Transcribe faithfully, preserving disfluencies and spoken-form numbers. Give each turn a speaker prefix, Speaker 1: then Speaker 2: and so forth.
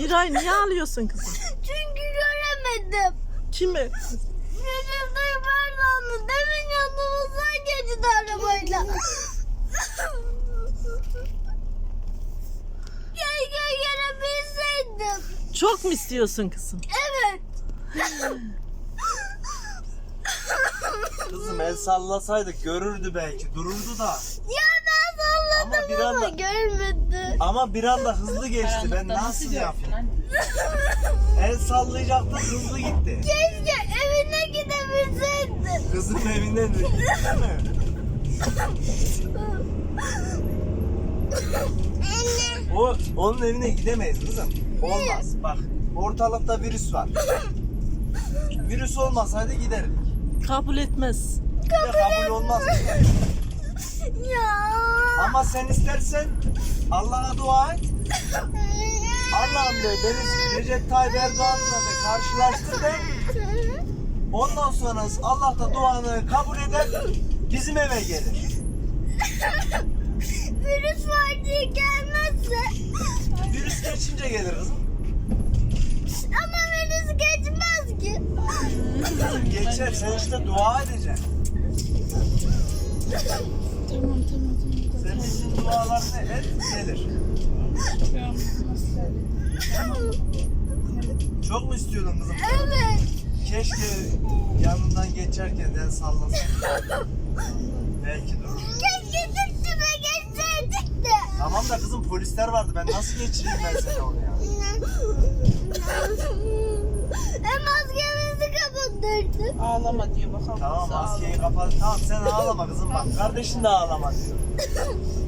Speaker 1: Miray niye ağlıyorsun kızım?
Speaker 2: Çünkü göremedim.
Speaker 1: Kimi?
Speaker 2: Recep Tayyip Erdoğan'ı demin yanımızdan geçti arabayla. Keşke görebilseydim.
Speaker 1: Çok mu istiyorsun kızım?
Speaker 2: Evet.
Speaker 3: Kızım el sallasaydık görürdü belki, dururdu da.
Speaker 2: Ya ben salladım
Speaker 3: Ama bir
Speaker 2: ama
Speaker 3: anda-
Speaker 2: görmedi.
Speaker 3: Ama bir anda hızlı geçti. Ben nasıl yapayım? El sallayacaktı, hızlı gitti.
Speaker 2: Keşke evine gidebilseydim.
Speaker 3: Kızın evinden de gitti mi? O, onun evine gidemeyiz kızım. Olmaz. Bak, ortalıkta virüs var. Virüs olmasaydı giderdik.
Speaker 1: Kabul etmez.
Speaker 3: Bir de kabul olmaz.
Speaker 2: Ya.
Speaker 3: Ama sen istersen Allah'a dua et. Allah'ım de beni Recep Tayyip Erdoğan'la da karşılaştır de. Ondan sonra Allah da duanı kabul eder, bizim eve gelir.
Speaker 2: Virüs var diye gelmezse.
Speaker 3: Virüs geçince gelir kızım.
Speaker 2: Ama virüs geçmez ki.
Speaker 3: Kızım geçer, sen işte dua edeceksin.
Speaker 4: Tamam tamam tamam.
Speaker 3: Sen bizim dualarını et, gelir. Çok mu istiyordun kızım?
Speaker 2: Evet.
Speaker 3: Keşke yanından geçerken el sallasaydın. Belki durur.
Speaker 2: Keşke üstüme geçseydik de.
Speaker 3: Tamam da kızım polisler vardı, ben nasıl geçireyim ben seni oraya?
Speaker 2: E maskemizi kapatırdı.
Speaker 4: Ağlama diyor bakalım.
Speaker 3: Tamam
Speaker 4: nasıl
Speaker 3: maskeyi kapat. Tamam sen ağlama kızım bak. Kardeşin de ağlama diyor.